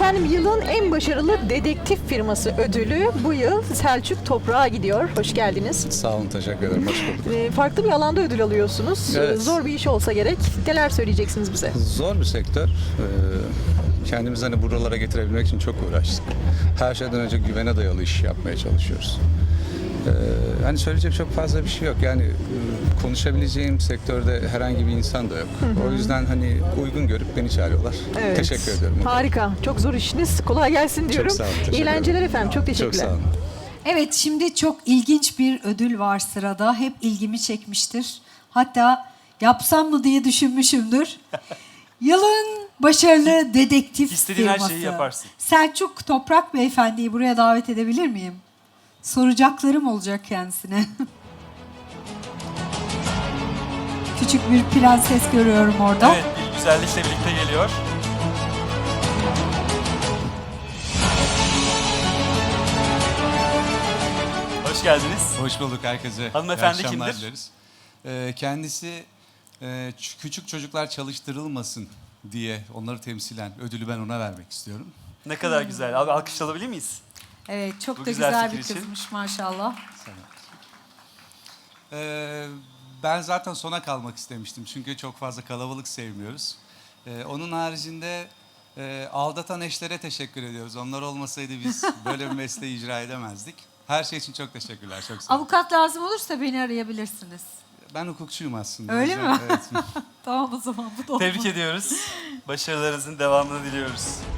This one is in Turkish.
Efendim yılın en başarılı dedektif firması ödülü bu yıl Selçuk Toprak'a gidiyor. Hoş geldiniz. Sağ olun, teşekkür ederim. Hoş bulduk. Farklı bir alanda ödül alıyorsunuz. Evet. Zor bir iş olsa gerek. Neler söyleyeceksiniz bize? Zor bir sektör. Kendimizi hani buralara getirebilmek için çok uğraştık. Her şeyden önce güvene dayalı iş yapmaya çalışıyoruz. Hani söyleyecek çok fazla bir şey yok. Yani konuşabileceğim sektörde herhangi bir insan da yok. O yüzden hani uygun görüp beni çağırıyorlar. Evet. Teşekkür ediyorum. Harika. Çok zor işiniz. Kolay gelsin diyorum. sağ olun, teşekkür İyi eğlenceler ederim. efendim. Çok teşekkürler. Çok sağ olun. Evet, şimdi çok ilginç bir ödül var sırada. Hep ilgimi çekmiştir. Hatta yapsam mı diye düşünmüşümdür. Yılın başarılı dedektif İstediğin her firması. şeyi yaparsın. Selçuk Toprak Beyefendi'yi buraya davet edebilir miyim? Soracaklarım olacak kendisine. Küçük bir prenses görüyorum orada. Evet, bir güzellikle birlikte geliyor. Hoş geldiniz. Hoş bulduk herkese. Hanımefendi İyi akşamlar kimdir? dileriz. Kendisi küçük çocuklar çalıştırılmasın diye onları temsilen ödülü ben ona vermek istiyorum. Ne kadar güzel. Abi alkış alabilir miyiz? Evet, çok Bu da güzel güzel fikir bir için. kızmış maşallah. Ben zaten sona kalmak istemiştim çünkü çok fazla kalabalık sevmiyoruz. Onun haricinde aldatan eşlere teşekkür ediyoruz. Onlar olmasaydı biz böyle bir mesleği icra edemezdik. Her şey için çok teşekkürler. Çok sağ olun. Avukat lazım olursa beni arayabilirsiniz. Ben hukukçuyum aslında. Öyle O yüzden- mi? Evet. Tamam o zaman bu da olmaz. Tebrik ediyoruz. Başarılarınızın devamını diliyoruz.